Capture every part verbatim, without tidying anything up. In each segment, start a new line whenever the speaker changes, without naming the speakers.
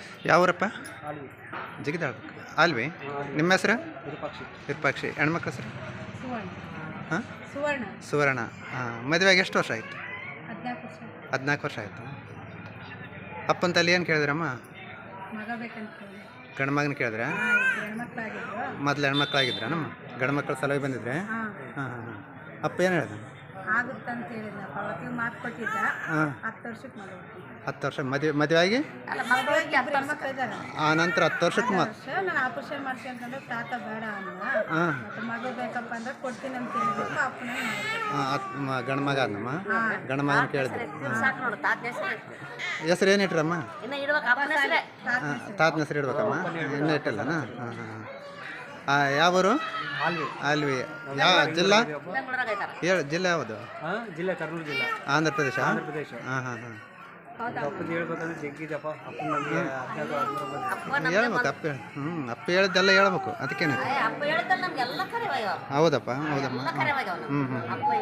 ಯಾವೂರಪ್ಪ?
ಆಲ್ವಿ.
ಜಿಗಿದಾಳ ಅಲ್ವಿ. ನಿಮ್ಮ ಹೆಸರು?
ವಿರೂಪಾಕ್ಷಿ.
ವಿರೂಪಾಕ್ಷಿ. ಹೆಣ್ಮಕ್ಳ ಹೆಸರು?
ಸುವರ್ಣ.
ಹಾಂ,
ಸುವರ್ಣ.
ಸುವರ್ಣ. ಹಾಂ, ಮದುವೆಗೆ ಎಷ್ಟು ವರ್ಷ ಆಯಿತು?
ಹದಿನಾಲ್ಕು ವರ್ಷ.
ಹದಿನಾಲ್ಕು ವರ್ಷ ಆಯಿತು. ಅಪ್ಪನ ತಲೆ ಏನು ಕೇಳಿದ್ರಮ್ಮ?
ಮಗ ಬೇಕಂತ ಕೇಳಿ.
ಗಂಡು ಮಗನ ಕೇಳಿದ್ರೆ?
ಹಾಂ, ಇಬ್ರು ಹೆಣ್ಮಕ್ಳಾಗಿದ್ರು.
ಮೊದಲು ಹೆಣ್ಮಕ್ಳಾಗಿದ್ರ ನಮ್ಮ ಗಂಡು ಮಕ್ಕಳ ಸಲುವಾಗಿ ಬಂದಿದ್ರೆ?
ಹಾಂ,
ಹಾಂ ಹಾಂ ಹಾಂ. ಅಪ್ಪ ಏನು ಹೇಳ್ದ?
ಆಗುತ್ತಂತ ಹೇಳಿದ್ನಪ್ಪ. ಅವತ್ತಿಗೆ ಮಾತು ಕೊಟ್ಟಿದ್ದ.
ಹಾಂ,
ಹತ್ತು ವರ್ಷಕ್ಕೆ ಮಗ ಹುಟ್ಟಿದ.
ಹತ್ತು ವರ್ಷ ಮದುವೆ ಮದುವೆ ಆಗಿ
ಮಗಳಿಗೆ ಇಬ್ರು ಹೆಣ್ಮಕ್ಳು ಇದ್ದಾರೆ.
ಆ ನಂತರ ಹತ್ತು ವರ್ಷಕ್ಕೆ ಮಾತು.
ವರ್ಷ ನಾನು ಆಪರೇಷನ್ ಮಾಡ್ಕೊಂತಂದ್ರೆ ತಾತ ಬೇಡ ಅಂದ.
ಹಾಂ
ಮತ್ತೆ ಮಗ ಬೇಕಪ್ಪ ಅಂದ್ರೆ ಕೊಡ್ತೀನಿ ಅಂತ ಹೇಳಿದ್ರು. ಅಪ್ಪನ
ಹಾಂ, ಗಂಡು ಮಗ ಆದಮ್ಮ. ಗಂಡು ಮಗನ ಕೇಳಿದ್ರು. ಹೆಸರು ಏನು ಇಟ್ರಮ್ಮ? ಹಾಂ, ತಾತನ ಹೆಸರು ಇಡ್ಬೇಕಮ್ಮ. ಇನ್ನೂ ಇಟ್ಟಲ್ಲನ? ಹಾಂ ಹಾಂ ಹಾಂ. ಯಾವೂರು?
ಆಲ್ವಿ.
ಅಲ್ವಿ. ಯಾವ ಜಿಲ್ಲಾ? ಹೇಳು, ಜಿಲ್ಲೆ ಯಾವುದು?
ಹಾಂ, ಜಿಲ್ಲೆ ಕರ್ನೂಲು ಜಿಲ್ಲಾ,
ಆಂಧ್ರ ಪ್ರದೇಶ.
ಆಂಧ್ರ ಪ್ರದೇಶ.
ಹಾಂ ಹಾಂ ಹಾಂ.
ಅಪ್ಪನ ಹೇಳ್ಬೇಕಂದ್ರೆ ಜಗ್ಗಿದಪ್ಪ. ಅಪ್ಪನ ನಮಗೆ ಹದಿನಾಲ್ಕು ಹದಿಮೂರು
ಹೇಳ್ಬೇಕು. ಅಪ್ಪ ಹೇಳಿ. ಹ್ಞೂ, ಅಪ್ಪ ಹೇಳಿದ್ದೆಲ್ಲ ಹೇಳ್ಬೇಕು. ಅದಕ್ಕೇನೆ. ಹೌದಪ್ಪ, ಹೌದಮ್ಮ. ಹ್ಞೂ ಹ್ಞೂ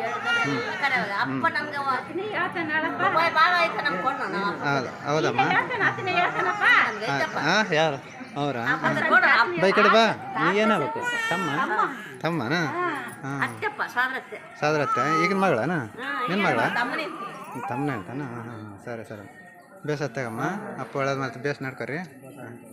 ಹೌದು, ಹೌದಮ್ಮ. ಹಾಂ, ಯಾರು ಅವರಾ? ಬೈ ಕಡೆ ಬಾ. ನೀಗೇನಾಗಬೇಕು? ತಮ್ಮ? ತಮ್ಮನ? ಹಾಂ, ಸಾದ್ರತ್ತೆ. ಈಗಿನ ಮಗಳನ? ನಿನ್ನ ಮಗಳ? ತಮ್ಮನೇ ಅಂತಾನ? ಹಾಂ ಹಾಂ. ಸರಿ ಸರಿ. ಬೇಸ್ ಹತ್ತಾಗಮ್ಮ. ಅಪ್ಪ ಒಳ್ಳೇದು ಮಾಡ್ತೀವಿ. ಬೇಸ್ ನಡ್ಕೊರಿ. ಹಾಂ.